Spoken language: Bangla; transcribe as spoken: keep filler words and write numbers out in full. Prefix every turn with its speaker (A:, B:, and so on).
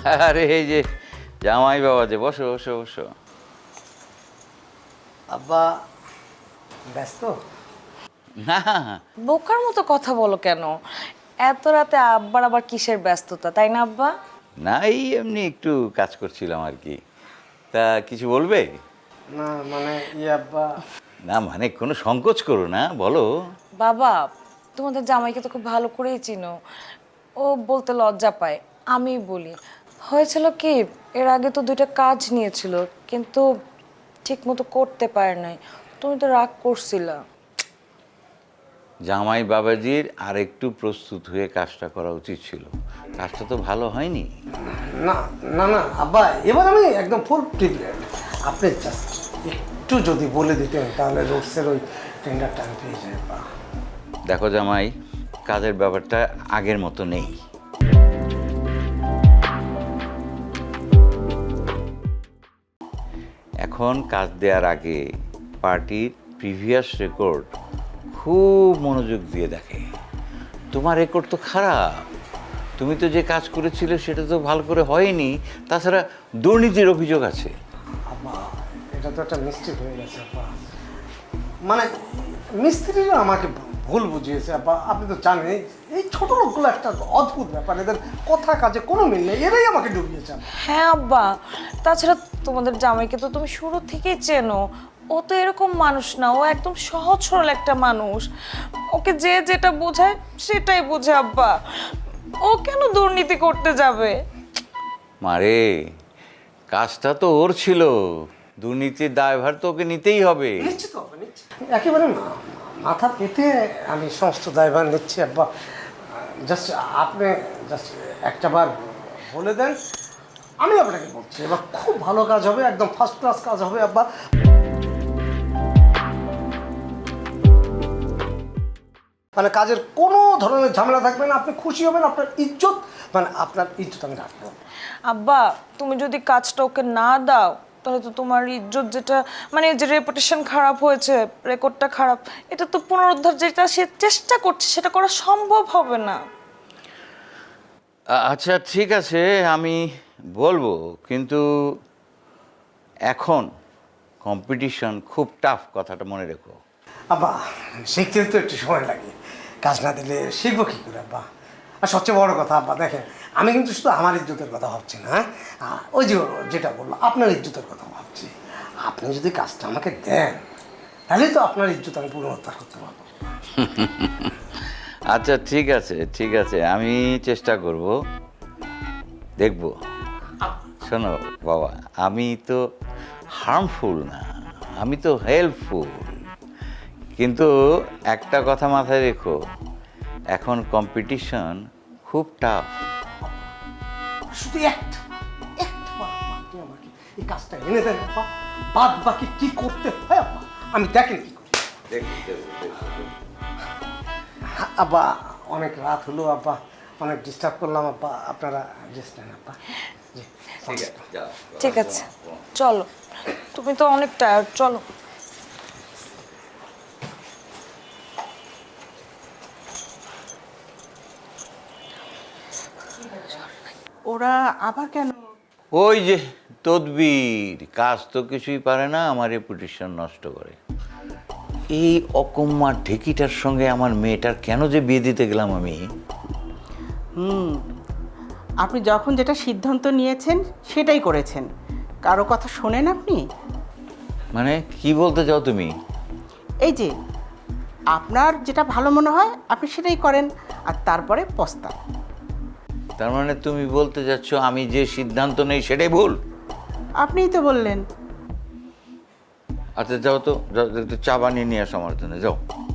A: আরে এই যে জামাই বাবা যে, বসো বসো বসো।
B: আব্বা ব্যস্ত?
A: না
C: বোকার মতো কথা বলো কেন? এত রাতে আব্বার আবার কিসের ব্যস্ততা, তাই না আব্বা?
A: না, এই এমনি একটু কাজ করছিলাম আর কি। তা কিছু বলবে?
B: না মানে ইয়ে আব্বা,
A: না মানে কোনো সংকোচ করো না, বলো।
C: বাবা, তোমাদের জামাইকে তো খুব ভালো করেই চিনো, ও বলতে লজ্জা পায়, আমি বলি। হয়েছিল কি, এর আগে তো দুইটা কাজ নিয়েছিল, কিন্তু ঠিক মতো করতে পারে নাই, তুমি তো রাগ করছিলা।
A: জামাই বাবাজির আর একটু প্রস্তুত হয়ে কাজটা করা উচিত ছিল, কাজটা তো ভালো হয়নি।
B: না না না আব্বা, এবার আমি একদম ফুল প্রিপেয়ার্ড। আপনি জাস্ট একটু যদি বলে দিতেন তাহলে রোডসের ওই টেন্ডারটা আমি পেয়ে যাই আব্বা।
A: দেখো জামাই, কাজের ব্যাপারটা আগের মতো নেই। এখন কাজ দেওয়ার আগে পার্টির প্রিভিয়াস রেকর্ড খুব মনোযোগ দিয়ে দেখে। তোমার রেকর্ড তো খারাপ, তুমি তো যে কাজ করেছিলে সেটা তো ভালো করে হয়নি, তাছাড়া দুর্নীতির অভিযোগ আছে।
B: আব্বা এটা তো একটা মিস্টেক হয়ে গেছে আব্বা, মানে মিস্ত্রিরা আমাকে ভুল বুঝিয়েছে আব্বা। আপনি তো জানেন এই- এই ছোট লোকগুলো একটা অদ্ভুত ব্যাপার, এদের কথা কাজে কোনো মিল নেই, এরাই আমাকে ডুবিয়েছে আব্বা।
C: হ্যাঁ আব্বা, তাছাড়া তোমাদের জামাইকে তো তুমি শুরু থেকেই চেনো, ও তো এরকম মানুষ না, ও একদম সহজ সরল একটা মানুষ, ওকে যে যেটা বোঝায় সেটাই বোঝে আব্বা, ও কেন দুর্নীতি করতে যাবে?
A: মারে, কাজটা তো ওর ছিল, দুর্নীতির দায়ভার তো ওকে নিতেই হবে।
B: নিশ্চিত হবে, নিশ্চিত একেবারে না মাথা পেতে আমি সমস্ত দায়ভার নিচ্ছি আব্বা। জাস্ট আপনি জাস্ট একটা বার বলে দেন, আমি আপনাকে বলছি এবার খুব ভালো কাজ হবে, একদম ফার্স্ট ক্লাস কাজ হবে আব্বা। মানে কাজের কোনো ধরনের ঝামেলা থাকবে না, আপনি খুশি হবেন, আপনার ইজ্জত মানে আপনার ইজ্জত আমি রাখবো।
C: আব্বা, তুমি যদি কাজটা ওকে না দাও তাহলে তো তোমার ইজ্জত, যেটা মানে যে রেপুটেশন খারাপ হয়েছে, রেকর্ডটা খারাপ, এটা তো পুনরুদ্ধার যেটা সে চেষ্টা করছে সেটা করা সম্ভব হবে না।
A: আ- আচ্ছা ঠিক আছে, আমি বলবো, কিন্তু এখন কম্পিটিশন খুব টাফ, কথাটা মনে রেখো।
B: আব্বা শিখতে তো একটু সময় লাগে, কাজ না দিলে শিখবো কী করে আব্বা? আর সবচেয়ে বড় কথা আব্বা দেখেন, আমি কিন্তু শুধু আমার ইজ্জতের কথা ভাবছি না, হ্যাঁ আহ, ওই যে যেটা বললো আপনার ইজ্জতের কথা ভাবছি। আপনি যদি কাজটা আমাকে দেন তাহলে তো আপনার ইজ্জত আমি পুনরুদ্ধার করতে পারবো।
A: আচ্ছা ঠিক আছে ঠিক আছে, আমি চেষ্টা করব, দেখব। শোনো বাবা, আমি তো হার্মফুল না, আমি তো হেল্পফুল, কিন্তু একটা কথা মাথায় রেখো, এখন কম্পিটিশন খুব টাফ।
B: শুধু একটা একটা বার আব্বা আপনি আমাকে এই কাজটা এনে দেন আব্বা, বাদ বাকি কী করতে হয় আব্বা আমি দেখেন কী করি। আব্বা অনেক রাত হলো আব্বা, অনেক ডিস্টার্ব করলাম আব্বা, আপনারা রেস্ট নেন আব্বা। জি
C: ঠিক আছে, চলো, তুমি তো অনেক টায়ার্ড, চলো।
D: ওরা আবার কেন?
A: ওই যে তদবির, কাজ তো কিছুই পারে না, আমার রেপুটেশন নষ্ট করে। এই অকম্মার ঢেকিটার সঙ্গে আমার মেয়েটার কেন যে বিয়ে দিতে গেলাম আমি।
D: হুম, আপনি যখন যেটা সিদ্ধান্ত নিয়েছেন সেটাই করেছেন, কারো কথা শোনেন আপনি?
A: মানে কি বলতে চাও তুমি?
D: এই যে আপনার যেটা ভালো মনে হয় আপনি সেটাই করেন, আর তারপরে পস্তান।
A: তার মানে তুমি বলতে চাচ্ছ আমি যে সিদ্ধান্ত নেই সেটাই ভুল?
D: আপনিই তো বললেন।
A: আচ্ছা যাও তো, যাও, একটু চা বানিয়ে নিয়ে আসো আমার জন্য, যাও।